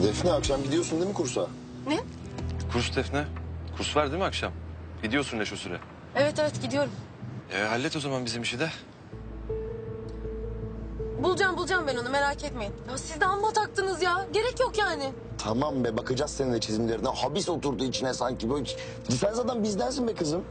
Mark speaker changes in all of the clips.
Speaker 1: Defne akşam gidiyorsun değil mi kursa?
Speaker 2: Ne?
Speaker 3: Kurs Defne. Kurs var değil mi akşam? Gidiyorsun ne şu süre?
Speaker 2: Evet gidiyorum.
Speaker 3: Hallet o zaman bizim işi de.
Speaker 2: Bulacağım ben onu, merak etmeyin. Ya siz de amma taktınız ya. Gerek yok yani.
Speaker 1: Tamam be, bakacağız senin de çizimlerine. Habis oturdu içine sanki böyle. Sen zaten bizdensin be kızım.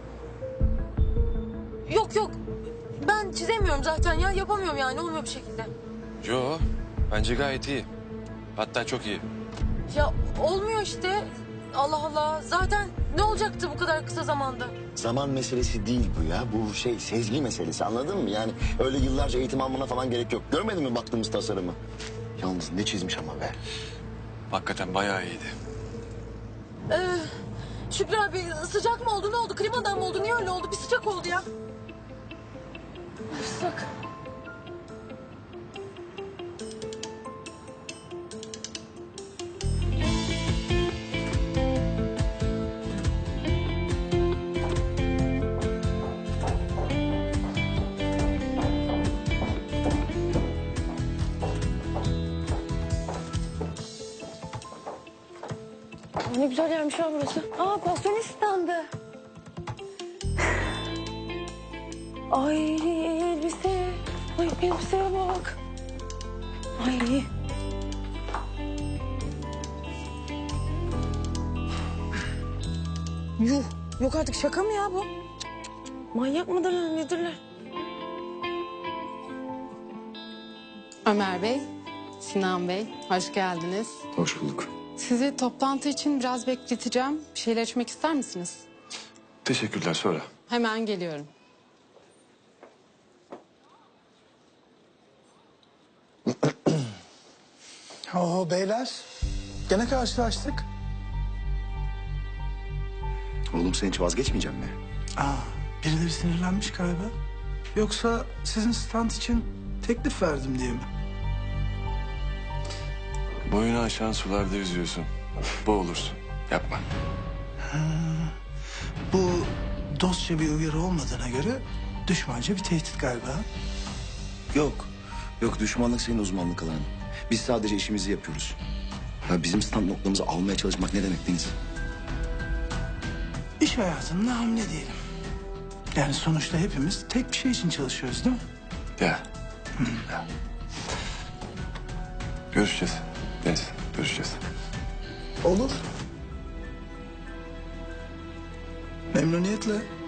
Speaker 2: Yok. Ben çizemiyorum zaten ya. Yapamıyorum yani. Olmuyor bir şekilde.
Speaker 3: Yo, bence gayet iyi. Hatta çok iyi.
Speaker 2: Ya olmuyor işte. Allah Allah. Zaten ne olacaktı bu kadar kısa zamanda?
Speaker 1: Zaman meselesi değil bu ya. Bu sezgi meselesi, anladın mı? Yani öyle yıllarca eğitim almana falan gerek yok. Görmedin mi baktığımız tasarımı? Yalnız ne çizmiş ama be.
Speaker 3: Hakikaten bayağı iyiydi.
Speaker 2: Şükrü abi sıcak mı oldu? Ne oldu? Klimadan mı oldu? Niye öyle oldu? Bir sıcak oldu ya. Sıcak. Ne güzel yermiş ha burası. Aa, pasyonist standı. Ay elbise. Ay elbiseye bak. Ay. Yuh. Yok artık, şaka mı ya bu? Manyak mıdırlar nedirler?
Speaker 4: Ömer Bey, Sinan Bey, hoş geldiniz.
Speaker 1: Hoş bulduk.
Speaker 4: Sizi toplantı için biraz bekleteceğim. Bir şeyler içmek ister misiniz?
Speaker 3: Teşekkürler, sonra.
Speaker 4: Hemen geliyorum.
Speaker 5: Oo beyler, gene karşılaştık.
Speaker 1: Oğlum sen hiç vazgeçmeyecek mi?
Speaker 5: Birileri sinirlenmiş galiba. Yoksa sizin stand için teklif verdim diye mi?
Speaker 3: Boyunu aşan sularda yüzüyorsun. Boğulursun. Yapma.
Speaker 5: Bu dostça bir uyarı olmadığına göre düşmanca bir tehdit galiba.
Speaker 1: Yok düşmanlık senin uzmanlık alanın. Biz sadece işimizi yapıyoruz. Ya bizim stand noktamızı almaya çalışmak ne demek Deniz?
Speaker 5: İş hayatında hamle diyelim. Yani sonuçta hepimiz tek bir şey için çalışıyoruz değil mi?
Speaker 3: Ya. Görüşeceğiz. Deniz, görüşeceğiz.
Speaker 5: Olur. Memnuniyetle.